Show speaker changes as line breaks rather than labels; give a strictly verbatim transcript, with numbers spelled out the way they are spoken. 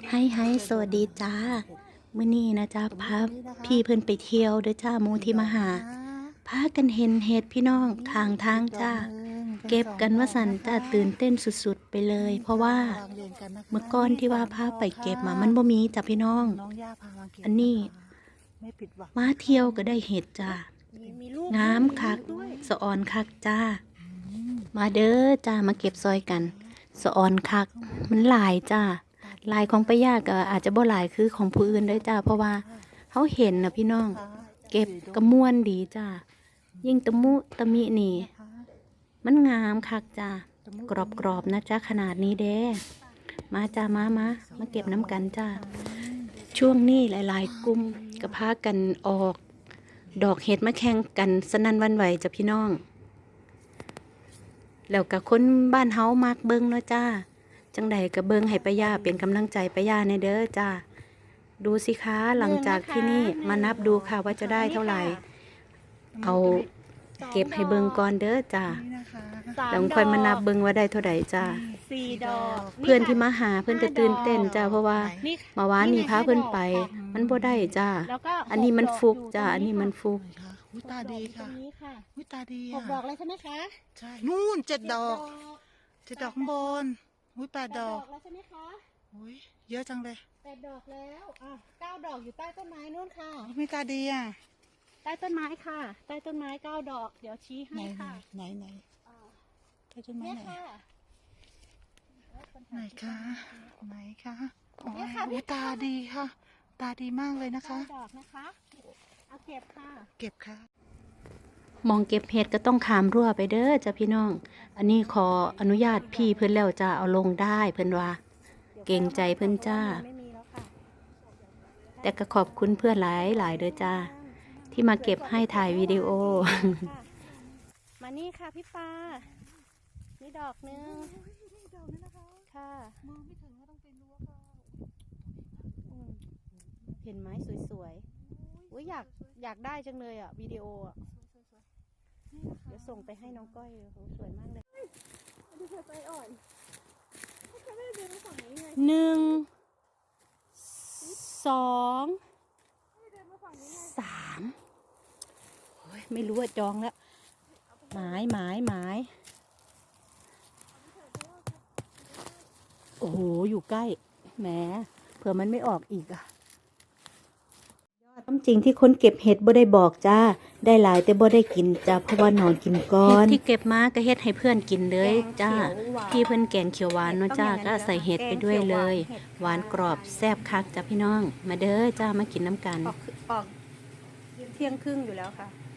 ให้ให้สวัสดีจ้ามื้อนี้นะจ้าพาพี่เพิ่นไปเที่ยวเด้อจ้าหมู่ที่มาหาพากันเห็นเห็ดพี่น้องทางทางจ้าเก็บกันว่าสันจ้าตื่นเต้นสุดๆไปเลยเพราะว่าเมื่อก่อนที่ว่าพาไปเก็บมามันบ่มีจ้าพี่น้องอันนี้มาเที่ยวก็ได้เห็ดจ้างามคักสะออนคักจ้ามาเด้อจ้ามาเก็บซอยกันสะออนคักมันหลายจ้าลายของป้ายาก็อาจจะบ่หลายคือของผู้อื่นได้จ้าเพราะว่าเขาเห็นนะพี่น้องเก็บกระมวนดีจ้ายิ่งตะมุตะมินี่มันงามคักจ้ากรอบกรอบนะจ้าขนาดนี้เด้มาจ้ามามามาเก็บน้ำกันจ้าช่วงนี้หลายๆกลุ่มก็พากันออกดอกเห็ดมาแข่งกันสนั่นหวั่นไหวจ้าพี่น้องแล้วกับคนบ้านเฮามากเบิ่งเนาะจ้าจังใดกับเบิ่งให้ป้ายาเป็นกำลังใจป้ายาในเด้อจ้าดูสิคะหลังจากที่นี่มานับดูค่ะว่าจะได้เท่าไหร่เอาเก็บให้เบิ่งก่อนเด้อจ้าแล้วค่อยมานับเบิ่งว่าได้เท่าไหร่จ้า
สี่ดอก
เพื่อนที่มาหาเพื่อนก็ตื่นเต้นจ้าเพราะว่าเมื่อวานนี่พาเพื่อนไปมันบ่ได้จ้าอันนี้มันฟุกจ้าอันนี้มันฟุก
วิตาดีค่ะวิตาดี
หกดอกเลยใช่ไหมคะ
ใช่นู่นเจ็ดดอกเจ็ดดอกข้างบนอุ้ยแปดดอก
แล้วใช่ไหมคะ
อุ้ยเยอะจังเลย
แปดดอกแล้วอ่ะเก้าดอกอยู่ใต้ต้นไม้นู่นค่ะ
วิตาดีอ่ะ
ใต้ต้นไม้ค่ะใต้ต้นไม้เก้าดอกเดี๋ยวชี้ให้ค่ะ
ไหนไหนใต้ต้นไม้ไหนไหนคะไหนคะวิตาดีค่ะตาดีมากเลยนะคะ
ดอกนะคะเอาเก็บค่ะ
เก็บค่ะ
มองเก็บเห็ดก็ต้องขามรั้วไปเด้อจ้ะพี่น้องอันนี้ขออนุญาตพี่เพิ่นแล้วจะเอาลงได้เพิ่นว่าเก่งใจเพิ่นจ้าแต่ก็ขอบคุณเพื่อนหลายหลายเด้อจ้าที่มาเก็บให้ถ่ายวิดีโอ
มานี่ค่ะพี่ปานี่ดอกนึงค่ะ
มือไม่ถึงก็ต้องเป็นรั้วค่ะ
เห็นไหมสวยๆอุ้ยอยากอยากได้จังเลยอ่ะวิดีโออ่ะเดี๋ยวส่งไปให้น้องก้อยสวยมากเลยดูเธอใจอ่อน
หนึ่งสองสามไม่รู้ว่าจองแล้วหมายหมายหมายโอ้โหอยู่ใกล้แหมเผื่อมันไม่ออกอีกอ่ะความจริงที่คนเก็บเห็ดบ่ได้บอกจ้าได้หลายแต่บ่ได้กินจ้าเพราะว่านอนกินก่อนเห็ดที่เก็บมาก็เห็ดให้เพื่อนกินเลยจ้าพี่เพื่อนแกงเขียวหวานเนาะจ้าก็ใส่เห็ดไปด้วยเลยหวานกรอบแซ่บคักจ้าพี่น้องมาเด้อจ้ามากินน้ำกัน
ออกเที่ยงครึ่งอยู่แล้วค่ะ